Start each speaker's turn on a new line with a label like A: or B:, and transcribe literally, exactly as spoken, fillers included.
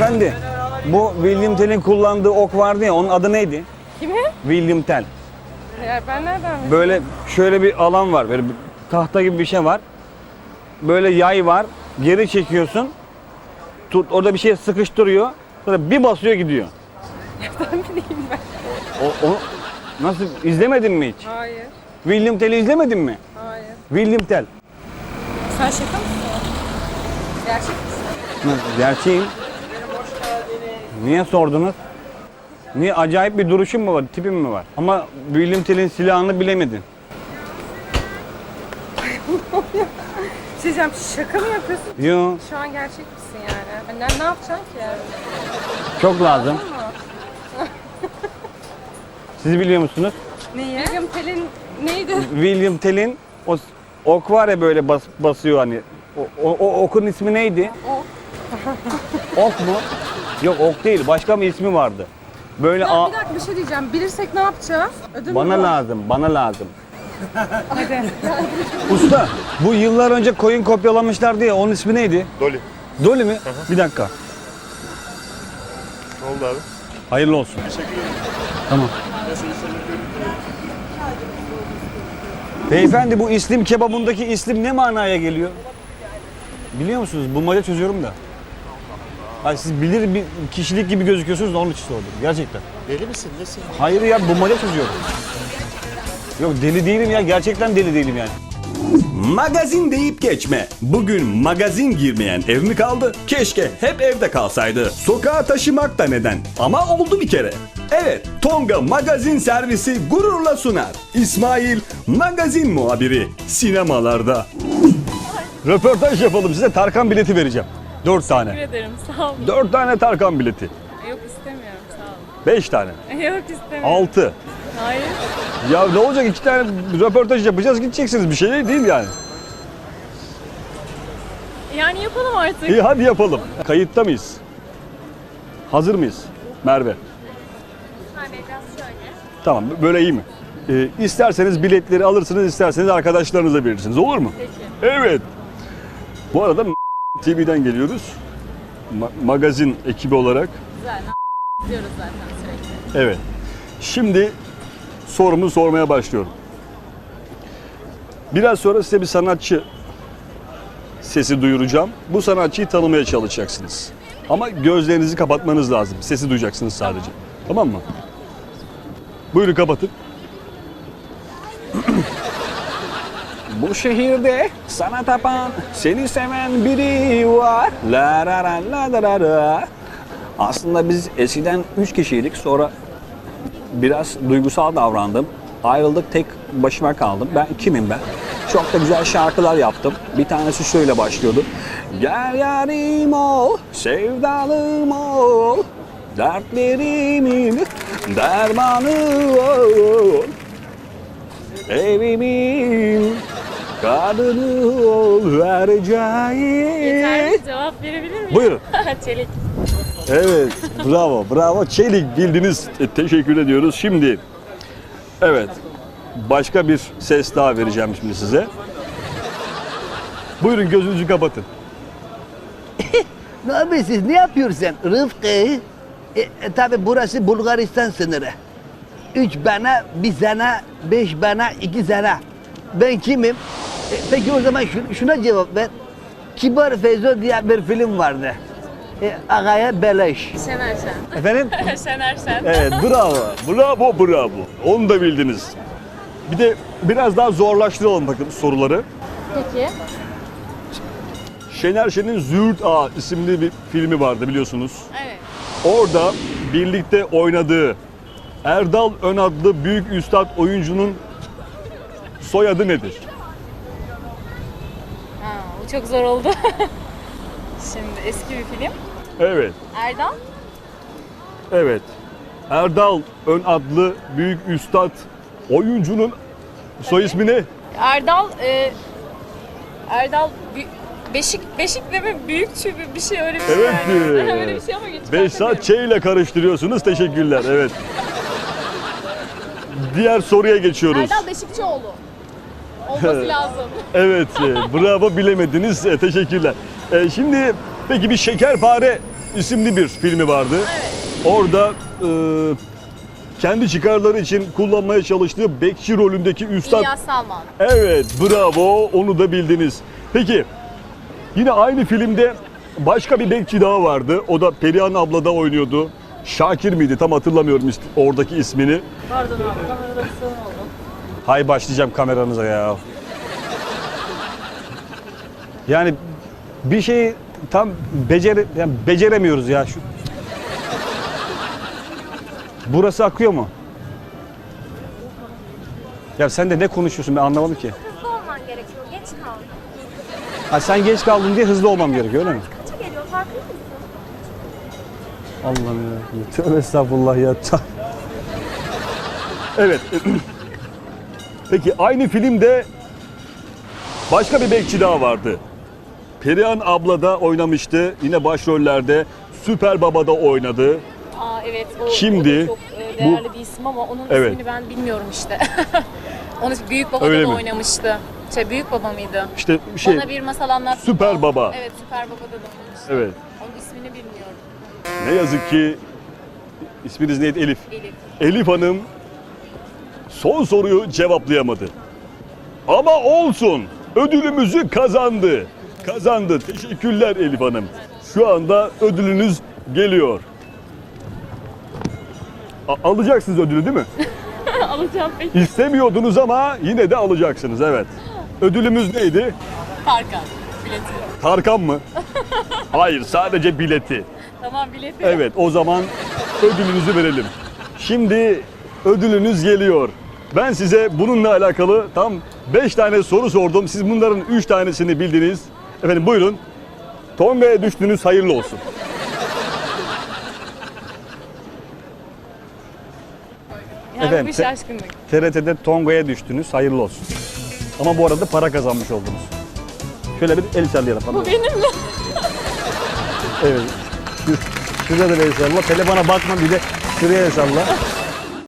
A: Beyefendi, bu William Tell'in kullandığı ok vardı ya, onun adı neydi?
B: Kimin?
A: William Tell.
B: Ya ben nereden bileyim?
A: Böyle şöyle bir alan var, böyle bir tahta gibi bir şey var. Böyle yay var, geri çekiyorsun. Tut, orada bir şey sıkıştırıyor. Sonra bir basıyor gidiyor.
B: Nereden bileyim ben?
A: O, o nasıl, izlemedin mi hiç?
B: Hayır.
A: William Tell'i izlemedin mi?
B: Hayır.
A: William Tell.
B: Sen şaka mısın? Gerçek misin?
A: Gerçeğim. Niye sordunuz? Niye, acayip bir duruşum mu var, tipim mi var? Ama William Tell'in silahını bilemedin.
B: Bir şey diyeceğim, şaka mı yapıyorsun?
A: Yo,
B: Şu an gerçek misin yani? Ne, ne yapacaksın ki?
A: çok lazım. Siz biliyor musunuz?
B: Neyi? William Tell'in neydi?
A: William Tell'in o s- ok var ya, böyle bas, basıyor hani. O, o, o okun ismi neydi?
B: Ok.
A: Ok mu? Yok, ok değil. Başka bir ismi vardı. Böyle
B: Ya
A: a-
B: bir dakika, bir şey diyeceğim. Bilirsek ne yapacağız? Ödül mü
A: bana
B: var?
A: lazım, bana lazım.
B: Hadi.
A: Usta, bu yıllar önce koyun kopyalamışlardı ya, onun ismi neydi?
C: Dolly.
A: Dolly mi? Bir dakika.
C: Ne oldu abi?
A: Hayırlı olsun.
C: Teşekkür ederim.
A: Tamam. Beyefendi, bu İslim kebabındaki İslim ne manaya geliyor? Biliyor musunuz? Bulmaca çözüyorum da. Ay, siz bilir bir kişilik gibi gözüküyorsunuz da onun için sordum. Gerçekten.
C: Deli misin? Nesin?
A: Hayır ya, bulmaca çözüyorum. Yok, deli değilim ya. Gerçekten deli değilim yani.
D: Magazin deyip geçme. Bugün magazin girmeyen ev mi kaldı? Keşke hep evde kalsaydı. Sokağa taşımak da neden? Ama oldu bir kere. Evet, Tonga Magazin Servisi gururla sunar. İsmail, magazin muhabiri. Sinemalarda.
A: Röportaj yapalım size. Tarkan bileti vereceğim. Dört
B: Teşekkür
A: tane.
B: ederim, sağ olun.
A: Dört tane Tarkan bileti.
B: Yok istemiyorum, sağ olun.
A: Beş tane.
B: Yok istemiyorum.
A: Altı.
B: Hayır.
A: Ya ne olacak, iki tane röportaj yapacağız, gideceksiniz, bir şey değil yani.
B: Yani yapalım artık.
A: İyi, hadi yapalım. Kayıtta mıyız? Hazır mıyız Merve?
B: Hani biraz şöyle.
A: Tamam, böyle iyi mi? Ee, isterseniz biletleri alırsınız, isterseniz arkadaşlarınıza verirsiniz, olur mu?
B: Peki.
A: Evet. Bu arada T V'den geliyoruz. Ma- magazin ekibi olarak.
B: Güzel. Diyoruz zaten sürekli.
A: Evet. Şimdi sorumu sormaya başlıyorum. Biraz sonra size bir sanatçı sesi duyuracağım. Bu sanatçıyı tanımaya çalışacaksınız. Ama gözlerinizi kapatmanız lazım. Sesi duyacaksınız sadece. Tamam, tamam mı? Buyurun, kapatın. Bu şehirde sana tapan, seni seven biri var. La la la la la la la. Aslında biz eskiden üç kişiydik, sonra biraz duygusal davrandım. Ayrıldık, tek başıma kaldım. Ben kimim ben? Çok da güzel şarkılar yaptım. Bir tanesi şöyle başlıyordu. Gel yarim ol, sevdalım ol, dertlerimin dermanı ol. Evimin kadını ol vereceğim.
B: Yeterli cevap verebilir miyim?
A: Buyurun.
B: Çelik.
A: Evet, bravo, bravo. Çelik bildiniz. E, teşekkür ediyoruz. Şimdi, evet, başka bir ses daha vereceğim şimdi size. Buyurun, gözünüzü kapatın.
E: Ne yapıyorsunuz? Ne yapıyorsun Rıfkı? E, e, tabi burası Bulgaristan sınırı. Üç bana, bir sana, beş bana, iki sana. Ben kimim? E, peki o zaman şu- şuna cevap ver. Kibar Feyzo diye bir film vardı. E, Ağaya beleş.
B: Şener Şen.
A: Efendim?
B: Şener Şen.
A: Evet, bravo. Bravo, bravo. Onu da bildiniz. Bir de biraz daha zorlaştıralım bakın soruları.
B: Peki.
A: Şener Şen'in Züğürt Ağa isimli bir filmi vardı, biliyorsunuz.
B: Evet.
A: Orada birlikte oynadığı Erdal Ön adlı büyük üstad oyuncunun soyadı nedir?
B: Ha, bu çok zor oldu. Şimdi eski bir film.
A: Evet,
B: Erdal.
A: evet. Erdal Ön adlı büyük üstad oyuncunun soy ismi ne?
B: Erdal e, Erdal Bü- Beşik Beşik de mi büyük çübü bir şey öyle bir şey.
A: Evet.
B: yani. Öyle bir şey ama geç
A: Behzat Ç ile karıştırıyorsunuz. Teşekkürler. Evet. Diğer soruya geçiyoruz.
B: Erdal Beşikçioğlu. Olması lazım.
A: Evet, e, bravo, bilemediniz. E, teşekkürler. E, şimdi peki bir şekerpare
D: isimli bir filmi vardı.
B: Evet.
D: Orada e, kendi çıkarları için kullanmaya çalıştığı bekçi rolündeki üstad.
B: İlyas Salman.
D: Evet, bravo, onu da bildiniz. Peki, yine aynı filmde başka bir bekçi daha vardı. O da Perihan abla da oynuyordu. Şakir miydi? Tam hatırlamıyorum is- oradaki ismini.
B: Pardon abi, kamerada bir sorun oldu.
D: Hay başlayacağım kameranıza ya. Yani bir şeyi tam becere yani beceremiyoruz ya şu. Burası akıyor mu? Ya sen de ne konuşuyorsun ben anlamadım ki.
C: Hızlı olman gerekiyor. Geç kaldın.
D: Ha sen geç kaldın diye hızlı olmam gerekiyor öyle mi?
C: Kaça geliyor farkında mısın?
D: Allah'ım ya. Tövbe estağfurullah ya. Evet. Peki aynı filmde başka bir bekçi daha vardı. Perihan abla da oynamıştı. Yine başrollerde Süper Baba'da oynadı.
B: Aa evet, o,
D: Kimdi?
B: o da çok e, değerli bir isim ama onun
D: Evet.
B: ismini ben bilmiyorum işte. Onu Büyük Baba'da
D: Öyle
B: da
D: mi?
B: oynamıştı. Şey, Büyük Baba mıydı?
D: İşte şey
B: Bana bir masal anlat.
D: Süper Baba.
B: Evet, Süper Baba'da da oynamıştı.
D: Evet.
B: Onun ismini bilmiyorum.
D: Ne yazık ki isminiz neydi? Elif.
B: Elif.
D: Elif Hanım son soruyu cevaplayamadı. Ama olsun. Ödülümüzü kazandı. Kazandı. Teşekkürler Elif Hanım. Şu anda ödülünüz geliyor. A- alacaksınız ödülü değil mi?
B: Alacağım peki.
D: İstemiyordunuz ama yine de alacaksınız evet. Ödülümüz neydi?
B: Tarkan. Bileti.
D: Tarkan mı? Hayır, sadece bileti.
B: Tamam, bileti.
D: Evet, o zaman ödülünüzü verelim. Şimdi ödülünüz geliyor. Ben size bununla alakalı tam beş tane soru sordum. Siz bunların üç tanesini bildiniz. Efendim buyurun. Tonga'ya düştünüz, hayırlı olsun.
B: Yani
D: Efendim,
B: bu
D: te-
B: şaşkınlık.
D: T R T'de Tonga'ya düştünüz, hayırlı olsun. Ama bu arada para kazanmış oldunuz. Şöyle bir el sallayalım.
B: Bu benim mi?
D: Evet. Şurada da el salla. Telefona bakma bir de şuraya el salla.